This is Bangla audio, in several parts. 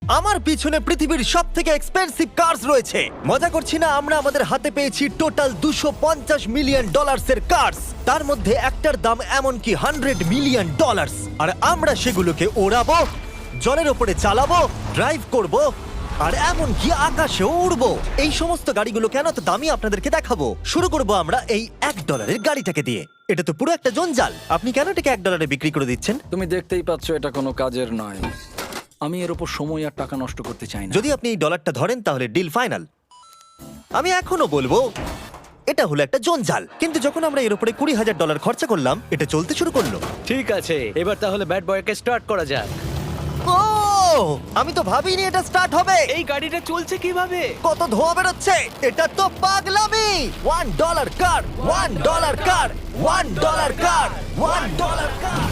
আমার পিছনে পৃথিবীর সব থেকে এক্সপেন্সিভ কার্স রয়েছে। মজা করছি না, আমরা আমাদের হাতে পেয়েছি টোটাল $250 মিলিয়ন এর কার্স। তার মধ্যে একটার দাম এমনকি $100 মিলিয়ন। আর আমরা সেগুলোকে ওড়াবো, জলের ওপরে চালাবো, ড্রাইভ করব, আর এমনকি আকাশেও উড়বো। এই সমস্ত গাড়িগুলো কেন তো দামি আপনাদেরকে দেখাবো। শুরু করব আমরা এই $1 গাড়িটাকে দিয়ে। এটা তো পুরো একটা জঞ্জাল। আপনি কেন এটাকে $1 বিক্রি করে দিচ্ছেন? তুমি দেখতেই পাচ্ছ এটা কোনো কাজের নয়। আমি এর উপর সময় আর টাকা নষ্ট করতে চাই না। যদি আপনি এই ডলারটা ধরেন তাহলে ডিল ফাইনাল। আমি এখনো বলবো এটা হলো একটা জঞ্জাল, কিন্তু যখন আমরা এর উপরে $20,000 খরচা করলাম, এটা চলতে শুরু করলো। ঠিক আছে, এবার তাহলে ব্যাড বয়কে স্টার্ট করা যাক। ও, আমি তো ভাবিনি এটা স্টার্ট হবে। এই গাড়িটা চলছে কিভাবে? কত ধোঁয়া বেরোচ্ছে, এটা তো পাগলামি। $1 কার, $1 কার, $1 কার, $1 কার।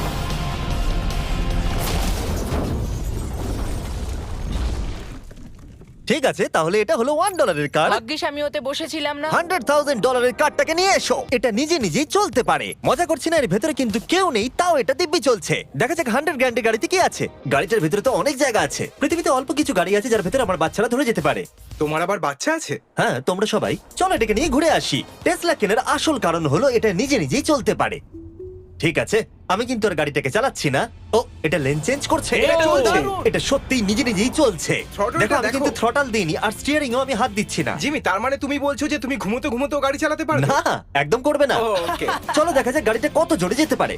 ঠিক আছে, তাহলে এটা হলো $1 কার। ভাগ্যিস আমি ওতে বসেছিলাম না। $100,000 কারটাকে নিয়ে এসো। এটা নিজে নিজেই চলতে পারে। মজা করছি না, এর ভেতরে কিন্তু কেউ নেই, তাও এটা দিব্যি চলছে। দেখা যাক 100 গ্র্যান্ডের গাড়িতে কি আছে। গাড়িটার ভেতরে তো অনেক জায়গা আছে। পৃথিবীতে অল্প কিছু গাড়ি আছে যার ভেতরে আমার বাচ্চারা ধরে যেতে পারে। তোমার আবার বাচ্চা আছে? হ্যাঁ, তোমরা সবাই চলো এটাকে নিয়ে ঘুরে আসি। টেসলা কেনার আসল কারণ হলো এটা নিজে নিজেই চলতে পারে। ঠিক আছে, আমি কিন্তু আর গাড়িটাকে চালাচ্ছি না। ও, এটা লেন চেঞ্জ করছে। এটা চলছে। এটা সত্যিই নিজে নিজেই চলছে। Throttle-টা দেখো, আমি দেখো। কিন্তু থ্রটাল দিইনি, আর স্টিয়ারিংও আমি হাত দিচ্ছি না। জিমি, তার মানে তুমি বলছো যে তুমি ঘুমোতে ঘুমোতেও গাড়ি চালাতে পারবে? না, একদম করবে না। ও, okay. চলো দেখা যাক গাড়িটা কত জোরে যেতে পারে।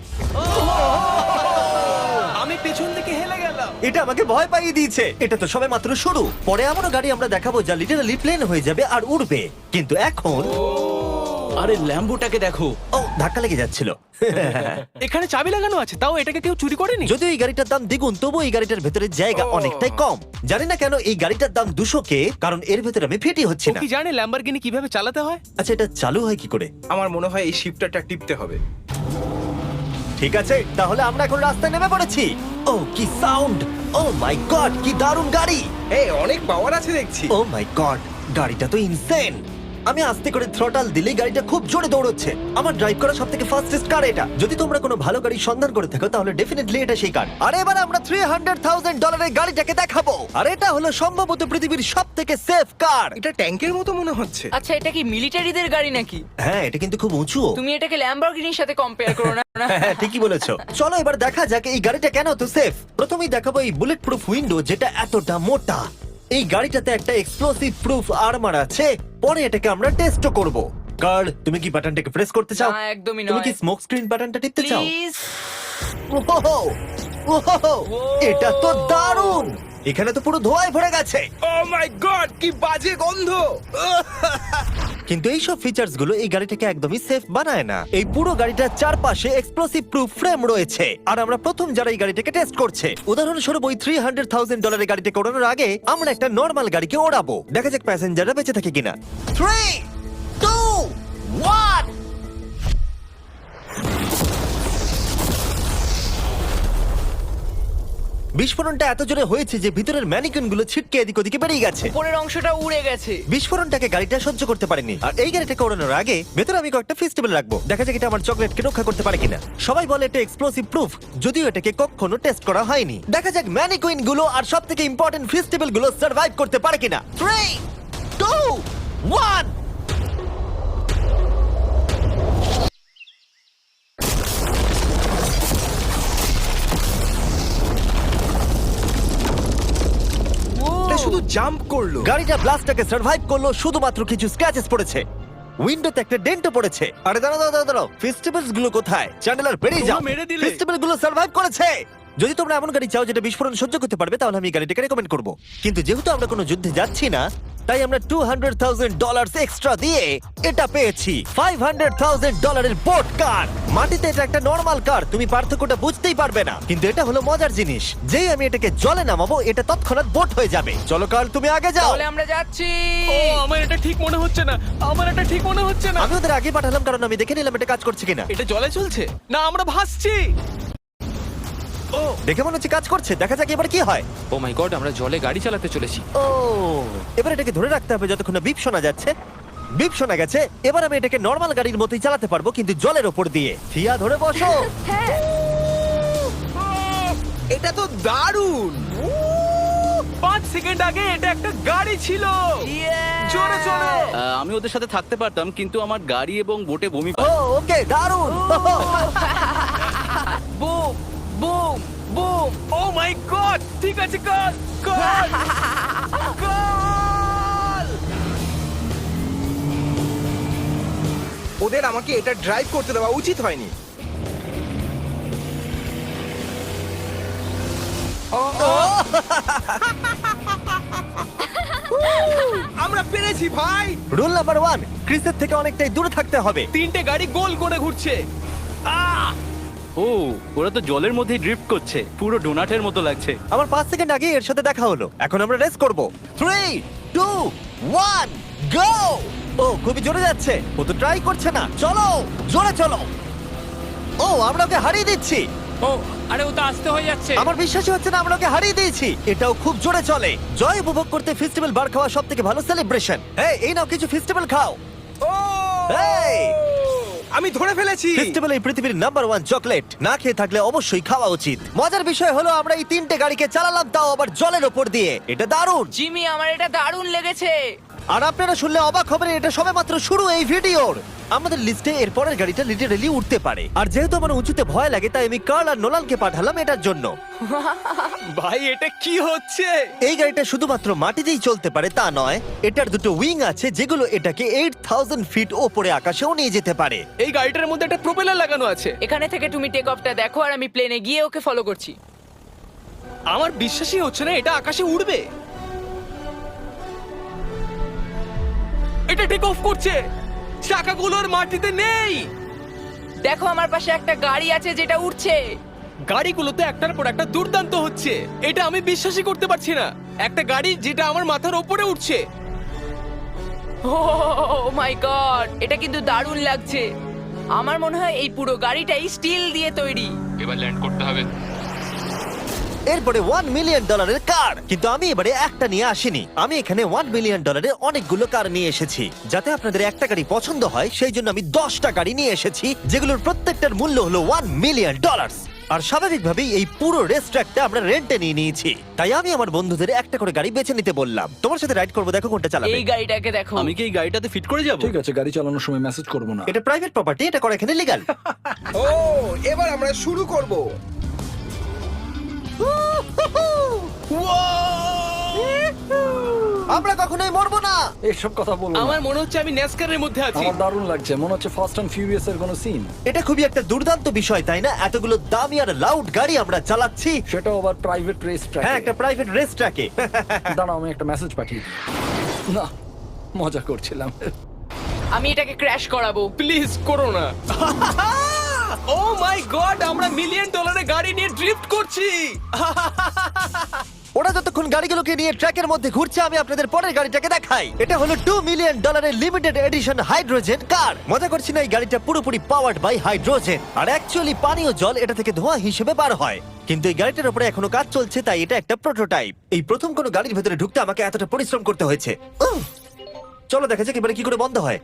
আমি পেছন থেকে হেলে গেলাম। এটা আমাকে ভয় পাইয়ে দিয়েছে। এটা তো সবে মাত্র শুরু। পরে এমনও গাড়ি আমরা দেখাবো যা লিটারালি প্লেন হয়ে যাবে আর উড়বে। কিন্তু এখন আরে ল্যাম্বোটাকে দেখো, ও, ধাক্কা লেগে যাচ্ছিল। এখানে চাবি লাগানো আছে, তাও এটাকে কেউ চুরি করেনি। যদিও এই গাড়িটার দাম দ্বিগুণ, তবু এই গাড়িটার ভেতরে জায়গা ও। অনেকটাই কম। জানি না কেন এই গাড়িটার দাম 200K, কারণ এর ভেতরে আমি ফিটি হচ্ছে ও না। কি জানে ল্যাম্বরগিনি কিভাবে চালাতে হয়? আচ্ছা, এটা চালু হয় কি করে? আমার মনে হয় এই শিফটারটা টিপতে হবে। ঠিক আছে, তাহলে আমরা এখন রাস্তায় নেমে পড়েছি। ও, কি সাউন্ড! ও মাই গড, কি দারুণ গাড়ি! এই অনেক পাওয়ার আছে দেখছি। ও মাই গড, গাড়িটা তো ইনসেন। আমি আস্তে করে থ্রটাল দিলেই গাড়িটা খুব জোরে দৌড়চ্ছে। আমার ড্রাইভ করা সবথেকে ফাস্টেস্ট কার এটা। যদি তোমরা কোনো ভালো গাড়ি সন্ধান করে থাকো তাহলে ডেফিনেটলি এটা সেই কার। আর এবার আমরা $300,000 গাড়িটাকে দেখাবো। আর এটা হলো সম্ভবত পৃথিবীর সবথেকে সেফ কার। এটা ট্যাঙ্কের মতো মনে হচ্ছে। আচ্ছা, এটা কি মিলিটারিদের গাড়ি নাকি? হ্যাঁ, এটা কিন্তু খুব উঁচু। তুমি এটাকে ল্যাম্বরগিনির সাথে কম্পেয়ার করো না। হ্যাঁ, ঠিকই বলেছো। চলো এবার দেখা যাক এই গাড়িটা কেন তো সেফ। প্রথমেই দেখাবো এই বুলেট প্রুফ উইন্ডো, যেটা এতটা মোটা। এই গাড়িটাতে একটা এক্সপ্লোসিভ প্রুফ আর্মার আছে। পরে এটাকে আমরা টেস্ট করব। কার্ড, তুমি কি বাটনটাকে প্রেস করতে চাও? না, একদমই তুমি কি নয়। স্মোক স্ক্রিন বাটনটা টিপতে চাও? প্লিজ। ওহো, ওহো, এটা তো দারুণ। এখানে তো পুরো ধোঁয়ায় ভরে গেছে। ও মাই গড, কি বাজে গন্ধ! কিন্তু এই সব ফিচার্স গুলো এই গাড়িটাকে একদমই সেফ বানায় না। এই পুরো গাড়িটার চারপাশে এক্সপ্লোসিভ প্রুফ ফ্রেম রয়েছে। আর আমরা প্রথম যারা এই গাড়িটাকে টেস্ট করছে, উদাহরণস্বরূপ ওই $300,000 গাড়িটাকে ওড়ানোর আগে আমরা একটা নর্মাল গাড়িকে ওড়াবো। দেখা যাক প্যাসেঞ্জাররা বেঁচে থাকে কিনা। 3, 2, 1। বিস্ফোরণটা এত জোরে হয়েছে যে ভিতরের ম্যানিকুইন গুলো ছিটকে এদিক ওদিকে বেরিয়ে গেছে। উপরের অংশটা উড়ে গেছে। বিস্ফোরণটাকে গাড়িটা সহ্য করতে পারেনি। আর এই গাড়িটাকে ওড়ানোর আগে ভেতরে আমি কয়েকটা ফেস্টিভ্যাল রাখবো, দেখা যাক এটা আমার চকলেটকে রক্ষা করতে পারে কিনা। সবাই বলে এটা এক্সপ্লোসিভ প্রুফ, যদিও এটাকে কখনো টেস্ট করা হয়নি। দেখা যাক ম্যানিকুইন গুলো আর সবথেকে ইম্পর্টেন্ট ফেস্টিভ্যাল গুলো সার্ভাইভ করতে পারে কিনা। 3, 2, 1। এটা শুধু জাম্প করলো। গাড়িটা ব্লাস্টটাকে সার্ভাইভ করলো, শুধুমাত্র কিছু স্ক্র্যাচেস পড়েছে। উইন্ডোতে একটা ডেন্টও পড়েছে। আরে দাঁড়াও, ফেস্টিভ্যালস গুলো কোথায়? চ্যান্ডেলার বেরিয়ে যাও। তোমরা মেরে দিলে। ফেস্টিভ্যাল গুলো সার্ভাইভ করেছে। যদি তোমরা এমন গাড়ি চাও যেটা বিস্ফোরণ সহ্য করতে পারবে, তাহলে আমি এই গাড়িটাকে রেকমেন্ড করব। কিন্তু যেহেতু আমরা কোনো যুদ্ধে যাচ্ছি না, তাই আমরা $200,000 এক্সট্রা দিয়ে এটা পেয়েছি। $500,000 বোট কার। মাটিতে এটা একটা নর্মাল কার, তুমি পার্থক্যটা বুঝতেই পারবে না। কিন্তু এটা হলো মজার জিনিস, যেই আমি এটাকে জলে নামাবো এটা তৎক্ষণাৎ বোট হয়ে যাবে। চলো কার, তুমি আগে যাও। তাহলে আমরা যাচ্ছি। ও, আমার এটা ঠিক মনে হচ্ছে না, আমার এটা ঠিক মনে হচ্ছে না। আমি ওদের আগে পাঠালাম কারণ আমি দেখে নিলাম এটা কাজ করছে কিনা। এটা জলে চলছে না, আমরা ভাসছি। ও, দেখে মনে হচ্ছে কাজ করছে, দেখা যাক এবার কি হয়। ও মাই গড, আমরা জলে গাড়ি চালাতে চলেছি। ও, এবার এটাকে ধরে রাখতে হবে যতক্ষণ না বিপ শোনা যাচ্ছে। বিপ শোনা গেছে, এবার আমি এটাকে নর্মাল গাড়ির মতোই চালাতে পারবো, কিন্তু জলের ওপর দিয়ে। থিয়া, ধরে বসো। এটা তো দারুণ। 5 সেকেন্ড আগে এটা একটা গাড়ি ছিল। জোরে চলো। আমি ওদের সাথে থাকতে পারতাম কিন্তু আমার গাড়ি এবং বোটে বমি ও ওকে দারুণ boom boom boom. Oh my god, ঠিক আছে, কর কর কর। ওদের আমাকে এটা ড্রাইভ করতে দেওয়া উচিত হয়নি। আমরা পেরেছি ভাই। রুল নাম্বার 1, ক্রিসের থেকে অনেকটাই দূরে থাকতে হবে। তিনটে গাড়ি গোল করে ঘুরছে। আহ! ও ওরা তো জলের মধ্যেই ড্রিফট করছে, পুরো ডোনাটের মতো লাগছে। আমার 5 সেকেন্ড আগে এর সাথে দেখা হলো। এখন আমরা রেস করব। 3 2 1 গো। ও খুবই জোরে যাচ্ছে। ও তো ট্রাই করছে না। চলো জোরে চলো। ও আমরা ওকে হারিয়ে দিচ্ছি। ও আরে ও তো আসতে হয়ে যাচ্ছে। আমার বিশ্বাসই হচ্ছে না আমরা ওকে হারিয়ে দিয়েছি। এটাও খুব জোরে চলে। জয় উপভোগ করতে ফেস্টিভ্যাল বার খাওয়া সব থেকে ভালো সেলিব্রেশন। এই নাও কিছু ফেস্টিভ্যাল খাও। ও এই আমি ধরে ফেলেছি। ফেস্টিভ্যাল এই পৃথিবীর নাম্বার 1 চকলেট। না খেয়ে থাকলে অবশ্যই খাওয়া উচিত। মজার বিষয় হলো আমরা এই তিনটে গাড়িকে চালালাম, তাও আবার জলের ওপর দিয়ে। এটা দারুণ। জিমি, আমার এটা দারুণ লেগেছে। আর আপনারা শুনলে অবাক হবেন, এটা সবেমাত্র শুরু এই ভিডিওর। আমাদের লিস্টে এর পরের গাড়িটা লিটারেলি উঠতে পারে। আর যেহেতু আমার উঁচুতে ভয় লাগে, তাই আমি কার্ল আর নোলানকে পাঠালাম এটার জন্য। ভাই এটা কি হচ্ছে? এই গাড়িটা শুধুমাত্র মাটিতেই চলতে পারে তা নয়, এটার দুটো উইং আছে যেগুলো এটাকে 8000 ফিট ওপরে আকাশেও নিয়ে যেতে পারে। এই গাড়িটার মধ্যে একটা প্রপেলার লাগানো আছে। এখানে থেকে তুমি টেক অফটা দেখো আর আমি প্লেনে গিয়ে ওকে ফলো করছি। আমার বিশ্বাসই হচ্ছে না এটা আকাশে উড়বে। এটা টেক অফ করছে, চাকাগুলোর মাটিতে নেই। দেখো আমার পাশে একটা গাড়ি আছে যেটা উঠছে। গাড়িগুলোতে একটার পর একটা দুর্দান্ত হচ্ছে। এটা আমি বিশ্বাসই করতে পারছি না, একটা গাড়ি যেটা আমার মাথার ওপরে উঠছে। ও মাই গড, এটা কিন্তু দারুণ লাগছে। আমার মনে হয় এই পুরো গাড়িটাই স্টিল দিয়ে তৈরি। এবার ল্যান্ড করতে হবে। এরপরে $1 মিলিয়ন কার। কিন্তু আমি এবারে একটা নিয়ে আসিনি। আমি এখানে $1 মিলিয়ন অনেকগুলো কার নিয়ে এসেছি। যাতে আপনাদের একটা গাড়ি পছন্দ হয় সেই জন্য আমি 10টা গাড়ি নিয়ে এসেছি, যেগুলোর প্রত্যেকটার মূল্য হলো $1 মিলিয়ন। আর স্বাভাবিকভাবেই এই পুরো রেস ট্র্যাকটা আমরা রেন্টে নিয়ে নিয়েছি। তাই আমি আমার বন্ধুদের একটা করে গাড়ি বেছে নিতে বললাম। তোমার সাথে রাইড করবো, দেখো কোনটা চালাবে। এই গাড়িটাকে দেখো। আমি কি এই গাড়িটাতে ফিট করে যাব? ঠিক আছে, গাড়ি চালানোর সময় মেসেজ করবো না। এটা প্রাইভেট প্রপার্টি, এটা করা এখানে লিগ্যাল। ও এবার আমরা শুরু করব। আমরা কখনোই মরবো না। এসব কথা বলবো না। আমার মনে হচ্ছে আমি ন্যাসকারের মধ্যে আছি। আমার দারুণ লাগছে, মনে হচ্ছে ফাস্ট অ্যান্ড ফিউরিয়াস এর কোনো সিন। এটা খুবই একটা দুর্দান্ত বিষয়, তাই না? এতগুলো দামি আর লাউড গাড়ি আমরা চালাচ্ছি। সেটাও আবার প্রাইভেট রেস ট্র্যাক। হ্যাঁ, একটা প্রাইভেট রেস ট্র্যাকে। দাঁড়াও, আমি একটা মেসেজ পাঠিয়ে দিই। না, মজা করছিলাম। আমি এটাকে ক্র্যাশ করাবো। প্লিজ করো না। ও মাই গড, আমরা $1 মিলিয়ন গাড়ি নিয়ে ড্রিফট করছি। ওরা যতক্ষণ গাড়িগুলোকে নিয়ে ট্র্যাকের মধ্যে ঘুরছে, আমি আপনাদের পরের গাড়িটাকে দেখাই। এটা হলো $2 million limited edition hydrogen car. মজা করছি না, এই গাড়িটা পুরোপুরি পাওয়ার্ড বাই হাইড্রোজেন। আর অ্যাকচুয়ালি পানীয় জল এটা থেকে ধোঁয়া হিসেবে বার হয়। কিন্তু এই গাড়িটার উপরে এখনো কাজ চলছে, তাই এটা একটা প্রোটোটাইপ। এই প্রথম কোনো গাড়ির ভেতরে ঢুকতে আমাকে এতটা পরিশ্রম করতে হয়েছে। চলো দেখা যাক এবারে কি করে বন্ধ হয়।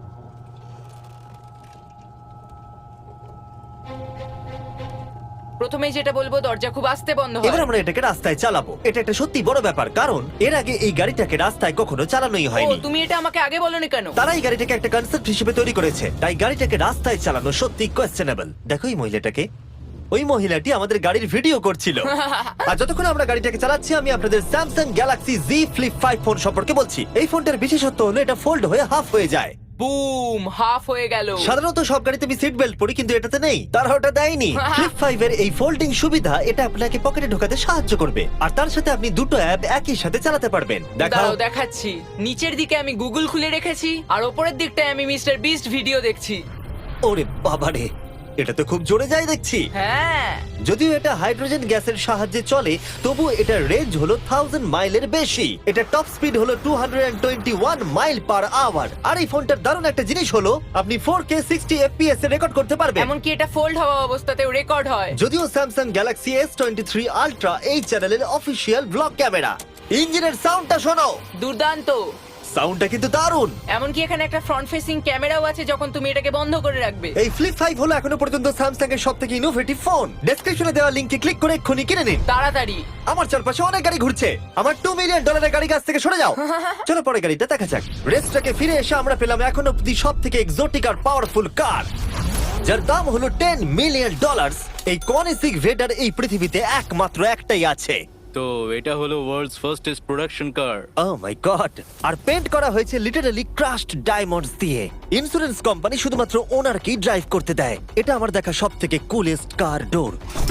প্রথমেই যেটা বলবো, দরজা খুব আস্তে বন্ধ এবার হয়। আমরা এটাকে রাস্তায় চালাবো। এটা একটা সত্যি বড় ব্যাপার, কারণ এর আগে এই গাড়িটাকে রাস্তায় কখনো চালানোই ও, হয়নি। তুমি এটা আমাকে আগে বলনি কেন? তারা এই গাড়িটাকে একটা কনসেপ্ট হিসেবে তৈরি করেছে, তাই গাড়িটাকে রাস্তায় চালানো সত্যি কোয়েশ্চেনেবল। দেখো এই মহিলাটাকে, ওই মহিলাটি আমাদের গাড়ির ভিডিও করছিল। আর যতক্ষণ আমরা গাড়িটাকে চালাচ্ছি, আমি আপনাদের Samsung Galaxy Z flip 5 phone সম্পর্কে বলছি। এই ফোনটার বিশেষত্ব হলো এটা ফোল্ড হয়ে হাফ হয়ে যায়। বুম, হাফ হয়ে গেল। সাধারণত সব গাড়িতে আমি সিট বেল্ট পরি, কিন্তু এটাতে নেই। তারা ওটা দেয়নি। ফ্লিপ 5 এর এই ফোল্ডিং সুবিধা, এটা আপনাকে পকেটে ঢোকাতে সাহায্য করবে। আর তার সাথে আপনি দুটো অ্যাপ একই সাথে চালাতে পারবেন। দেখাও। দাঁড়াও দেখাচ্ছি। নিচের দিকে আমি গুগল খুলে রেখেছি, আর ওপরের দিকটায় আমি মিস্টার বিস্ট ভিডিও দেখছি। ওরে বাবারে, এটা তো খুব জোরে যায় দেখছি। হ্যাঁ, যদিও এটা হাইড্রোজেন গ্যাসের সাহায্যে চলে, তবু এটার রেঞ্জ হলো 1000 মাইলের বেশি। এটা টপ স্পিড হলো 221 মাইল পার আওয়ার। আর এই ফোনটার দারুণ একটা জিনিস হলো, আপনি 4K 60 FPS এ রেকর্ড করতে পারবেন। এমনকি এটা ফোল্ড হওয়া অবস্থাতেও রেকর্ড হয়। যদিও স্যামসাং গ্যালাক্সি S23 আলট্রা এই চ্যানেলের অফিসিয়াল ব্লগ ক্যামেরা। ইঞ্জিনের সাউন্ডটা শোনো। দুর্দান্ত। সাউন্ডটা কিন্তু দারুণ। এমনকি এখানে একটা ফ্রন্ট ফেসিং ক্যামেরাও আছে যখন তুমি এটাকে বন্ধ করে রাখবে। এই ফ্লিপ 5 হলো এখনো পর্যন্ত স্যামসাং এর সবথেকে ইনোভেটিভ ফোন। ডেসক্রিপশনে দেওয়া লিংকে ক্লিক করে এক্ষুনি কিনে নিন। তাড়াতাড়ি। আমার চারপাশে অনেক গাড়ি ঘুরছে। আমার $2 মিলিয়ন গাড়ি কাছ থেকে সরে যাও। চলো পরে গাড়িটা দেখা যাক। রেসটাকে ফিরে এসে আমরা পেলাম এখন অব্দি সব থেকে এক্সোটিক আর পাওয়ারফুল কার, যার দাম হলো $10 মিলিয়ন। এই কনিসিক ভেডার এই পৃথিবীতে একমাত্র একটাই আছে। তো এটা হলো world's fastest production car. Oh my god! আর পেন্ট করা হয়েছে লিটারালি ক্রাশড ডায়মন্ডস দিয়ে। ইন্স্যুরেন্স কোম্পানি শুধুমাত্র ওনারকেই ড্রাইভ করতে দেয়। এটা আমার দেখা সবথেকে কুলেস্ট কার ডোর।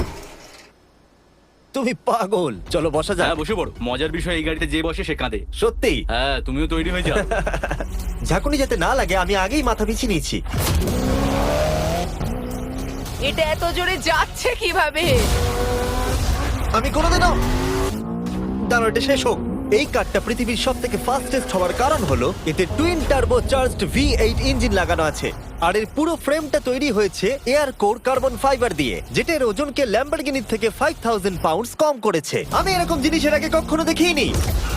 তুমি পাগল। চলো বসা যাক। হ্যাঁ বসে পড়ো। মজার বিষয় এই গাড়িতে যে বসে সে কাঁদে। সত্যি হ্যাঁ তুমিও তৈরি হয়ে যাও। ঝাঁকুনি যাতে না লাগে আমি আগেই মাথা পিছিয়ে নিয়েছি। এটা এত জোরে যাচ্ছে কিভাবে? আমি কোনোদিনও দাঁড়ো, এটা শেষ হোক। এই কারটা পৃথিবীর সব থেকে ফাস্টেস্ট হওয়ার কারণ হলো এতে twin turbo charged V8 engine লাগানো আছে। আর এর পুরো ফ্রেমটা তৈরি হয়েছে এয়ার কোর কার্বন ফাইবার দিয়ে, যেটা এর ওজনকে ল্যাম্বরগিনির থেকে 5000 পাউন্ডস কম করেছে। আমি এরকম জিনিসের আগে কখনো দেখিনি।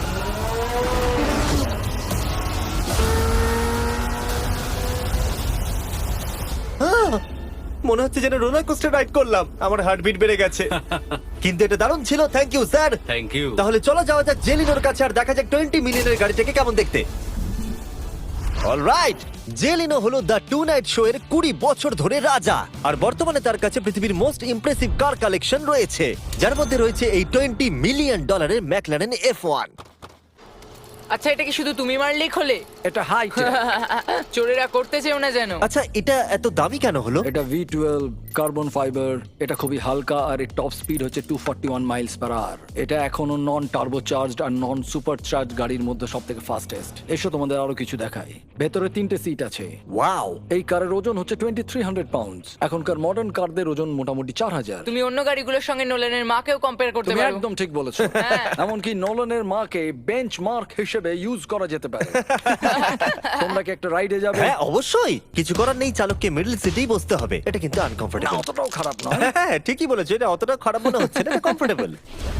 মনে হচ্ছে যেন রোলার কোস্টার রাইড করলাম। আমার হার্টবিট বেড়ে গেছে। কিন্তু এটা দারুণ ছিল। Thank you sir. Thank you. তাহলে চলো যাওয়া যাক জেলিনোর কাছে আর দেখা যাক 20 মিলিয়নের গাড়িটাকে কেমন দেখতে। অলরাইট, জেলিনো হলো দ্য টু নাইট শো এর 20 বছর ধরে রাজা। আর বর্তমানে তার কাছে পৃথিবীর মোস্ট ইমপ্রেসিভ কার কালেকশন রয়েছে, যার মধ্যে রয়েছে এই $20 মিলিয়ন ম্যাকলারেন F1। আচ্ছা, এটা কি শুধু তুমি মারলেই খোলে? এটা হাই চোরেরা করতে চেও না যেন। আচ্ছা, এটা এত দামি কেন হলো? এটা V12 কার্বন ফাইবার। এটা খুবই হালকা আর এর টপ স্পিড হচ্ছে 241 মাইলস পার আওয়ার। এটা এখনো নন টার্বো চার্জড আর নন সুপার চার্জ গাড়ির মধ্যে সবথেকে ফাস্টেস্ট। এসো তোমাদের আরো কিছু দেখাই। ভেতরে 3টে সিট আছে। ওয়াও! এই কারের ওজন হচ্ছে 2300 পাউন্ডস। এখনকার মডার্ন কারদের ওজন মোটামুটি 4000। তুমি অন্য গাড়িগুলোর সঙ্গে নোলেনের মাকেও কম্পেয়ার করতে তুমি পারো। একদম ঠিক বলেছো। হ্যাঁ। এমনকি নোলানের মাকে বেঞ্চমার্ক হিসেবে ইউজ করা যেতে পারে। তোমরা কি একটা রাইডে যাবে? হ্যাঁ অবশ্যই। কিছু করার নেই, চালককে মিডল সিটেই বসতে হবে। এটা কিন্তু না, আনকমফোর্টেবল। অতটাও খারাপ নয়। হ্যাঁ ঠিকই বলেছো, এটা অতটা খারাপ মনে হচ্ছে না, এটা কমফোর্টেবল।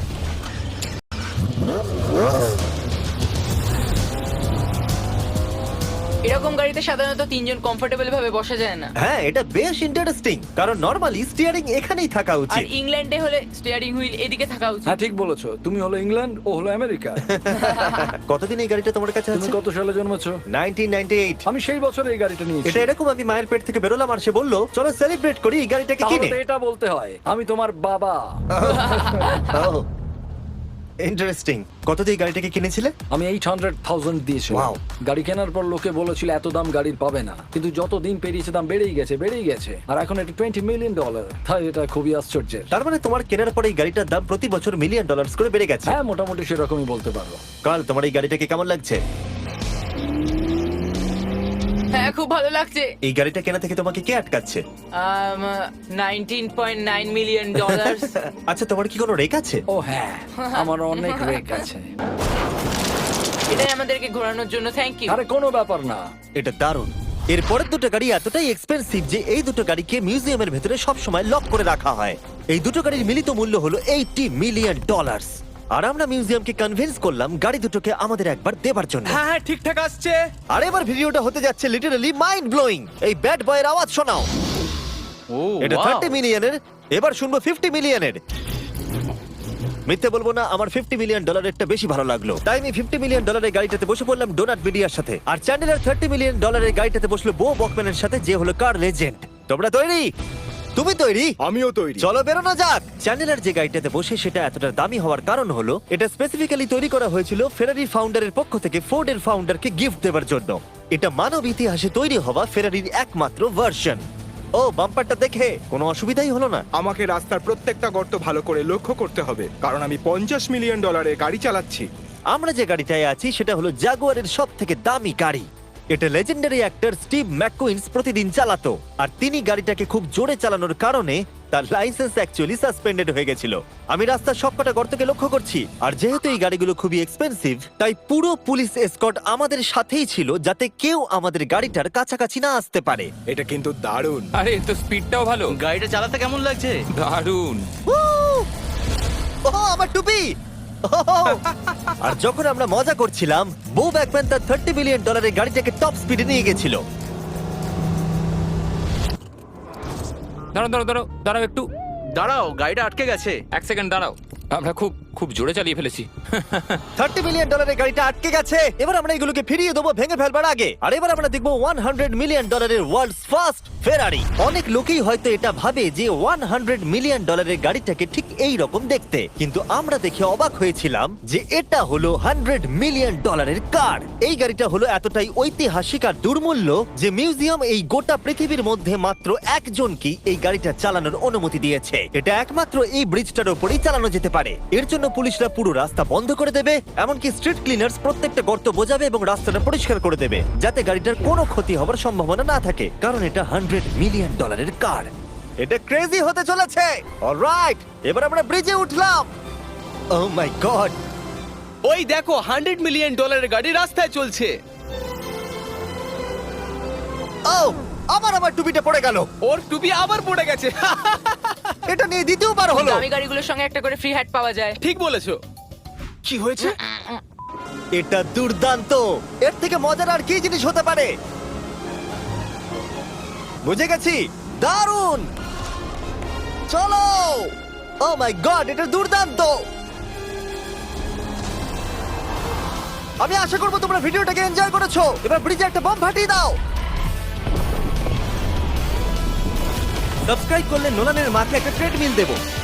এরকম গাড়িতে সাধারণত 3 জন কমফোর্টেবল ভাবে বসা যায় না। হ্যাঁ এটা বেশ ইন্টারেস্টিং, কারণ নরমালি স্টিয়ারিং এখানেই থাকা আর উচিত। ইংল্যান্ডে হলে স্টিয়ারিং হুইল এদিকে থাকা উচিত। হ্যাঁ ঠিক বলেছো। তুমি হলো ইংল্যান্ড, ও হলো আমেরিকা। কতদিন এই গাড়িটা তোমার কাছে তুমি আছে? কত সালে জন্মেছো? 1998। আমি সেই বছর এই গাড়িটা নিয়েছি। এটা এরকম, আমি মায়ের পেট থেকে বেরোলাম আর সে বললো চলো সেলিব্রেট করি এই গাড়িটাকে তাহলে কিনে। তো এটা বলতে হয় আমি তোমার বাবা। ইন্টারেস্টিং। কত দিয়ে এই গাড়িটাকে কিনেছিলে? আমি 800,000 দিয়েছি। Wow. গাড়ি কেনার পর লোকে বলেছিল এত দাম গাড়ির পাবে না, কিন্তু যত দিন পেরিয়েছে দাম বেড়েই গেছে। আর এখন এটা $20 মিলিয়ন। তাই এটা খুবই আশ্চর্যের। তার মানে তোমার কেনার পরে এই গাড়িটার দাম প্রতি বছর $1 মিলিয়ন করে বেড়ে গেছে। হ্যাঁ মোটামুটি সেরকমই বলতে পারো। কাল তোমার এই গাড়িটাকে কেমন লাগছে? হ্যাঁ খুব ভালো লাগছে। এই গাড়িটা কেনা থেকে তোমাকে কে আটকাচ্ছে? $19.9 মিলিয়ন। আচ্ছা তোমার কি কোনো রেক আছে? ও হ্যাঁ, আমার অনেক রেক আছে। এটাই আমাদেরকে ঘোরানোর জন্য থ্যাংক ইউ। আরে কোনো ব্যাপার না। এটা দারুণ। এর পরের দুটো গাড়ি এতটাই এক্সপেন্সিভ যে এই দুটো গাড়িকে মিউজিয়ামের ভেতরে সব সময় লক করে রাখা হয়। এই দুটো গাড়ির মিলিত মূল্য হলো $80 মিলিয়ন। আর আমরা মিউজিয়ামকে কনভিন্স করলাম গাড়ি দুটোকে আমাদের একবার দেবার জন্য। হ্যাঁ হ্যাঁ ঠিকঠাক আসছে। আর এবার ভিডিওটা হতে যাচ্ছে লিটারালি মাইন্ড ব্লোয়িং। এই ব্যাড বয়ের আওয়াজ শোনাও। ও এটা wow! 30 মিলিয়নের, এবার শুনবো 50 মিলিয়নের। মিথ্যে বলবো না, আমার $50 মিলিয়নেরটা বেশি ভালো লাগলো। তাই আমি $50 মিলিয়নের গাড়িটাতে বসে পড়লাম ডোনাট মিডিয়ার সাথে। আর চ্যান্ডেলার $30 মিলিয়ন গাড়িটাতে বসলো বো বকম্যানের সাথে, যে হলো কার লেজেন্ড। তোমরা তৈরি? তুমি তৈরি? আমিও তৈরি। চলো বেরোনো যাক। চ্যান্ডেলার যে গাড়িটাতে বসে সেটা এতটা দামি হওয়ার কারণ হলো এটা স্পেসিফিক্যালি তৈরি করা হয়েছিল ফেরারি ফাউন্ডারের পক্ষ থেকে ফোর্ডের ফাউন্ডারকে গিফট দেওয়ার জন্য। এটা মানব ইতিহাসে তৈরি হওয়া ফেরারির একমাত্র ভার্সন। ও বাম্পারটা দেখে কোনো অসুবিধাই হলো না। আমাকে রাস্তার প্রত্যেকটা গর্ত ভালো করে লক্ষ্য করতে হবে, কারণ আমি $50 মিলিয়ন গাড়ি চালাচ্ছি। আমরা যে গাড়িটায় আছি সেটা হলো জাগুয়ারের সব থেকে দামি গাড়ি। এটা লেজেন্ডারি অ্যাক্টর স্টিভ ম্যাককুইন্স প্রতিদিন চালাতো। আর তিনি গাড়িটাকে খুব জোরে চালানোর কারণে তার লাইসেন্স অ্যাকচুয়ালি সাসপেন্ডেড হয়ে গেছিল। আমি রাস্তার সবকটা গর্তকে লক্ষ্য করছি, আর যেহেতু এই গাড়িগুলো খুবই এক্সপেন্সিভ তাই পুরো পুলিশ এসকর্ট আমাদের সাথেই ছিল, যাতে কেউ আমাদের গাড়িটার কাছাকাছি না আসতে পারে। এটা কিন্তু দারুণ। আরে এর তো স্পিডটাও ভালো। গাড়িটা চালাতে কেমন লাগছে? দারুণ। ও আমার টুপি! আর যখন আমরা মজা করছিলাম, বো ব্যাকম্যান তার $30 বিলিয়ন গাড়িটাকে টপ স্পিডে নিয়ে গেছিল। দাঁড়াও দাঁড়াও দাঁড়াও দাঁড়াও একটু দাঁড়াও, গাড়িটা আটকে গেছে। এক সেকেন্ড দাঁড়াও, আমরা খুব খুব জোরে চালিয়ে ফেলেছি। $30 বিলিয়ন গাড়িটা আটকে গেছে। এবার আমরা এগুলোকে ফিরিয়ে দেবো ভেঙে ফেলবার আগে। আর এবার আমরা দেখবো $100 মিলিয়ন ওয়ার্ল্ডস ফার্স্ট ফেরারি। অনেক লোকেই হয়তো এটা ভাবে যে $100 মিলিয়ন গাড়িটাকে ঠিক এই রকম দেখতে, কিন্তু আমরা দেখে অবাক হয়েছিলাম যে এটা হলো $100 মিলিয়ন কার। এই গাড়িটা হলো এতটাই ঐতিহাসিক আর দুর্মূল্য যে মিউজিয়াম এই গোটা পৃথিবীর মধ্যে মাত্র একজনকেই এই গাড়িটা চালানোর অনুমতি দিয়েছে। এটা একমাত্র এই ব্রিজটার উপরেই চালানো যেতে পারে। এর জন্য পুলিশরা পুরো রাস্তা বন্ধ করে দেবে, এমনকি স্ট্রিট ক্লিনার্স প্রত্যেকটা গর্ত বোঝাবে এবং রাস্তাটা পরিষ্কার করে দেবে, যাতে গাড়িটার কোনো ক্ষতি হবার সম্ভাবনা না থাকে, কারণ এটা $100 মিলিয়ন কার। এটা ক্রেজি হতে চলেছে। অলরাইট, এবার আমরা ব্রিজে উঠলাম। ও মাই গড, ওই দেখো $100 মিলিয়ন গাড়ি রাস্তায় চলছে। ও আবার আমার টুপিটা পড়ে গেল। ওর টুপি আবার পড়ে গেছে। এটা নিয়ে দ্বিতীয়বার হলো। দামি গাড়িগুলোর সঙ্গে একটা করে ফ্রি হ্যাট পাওয়া যায়। ঠিক বলেছো। কি হয়েছে? এটা দুর্দান্ত। এর থেকে মজার আর কি জিনিস হতে পারে? বুঝে গেছি, দারুণ। চলো। ও মাই গড, এটা দুর্দান্ত। আমি আশা করবো তোমরা ভিডিওটাকে এনজয় করেছো। এবার ব্রিজে একটা বম ফাটিয়ে দাও। সাবস্ক্রাইব করলে নোলানের মাকে একটা ট্রেডমিল দেবো।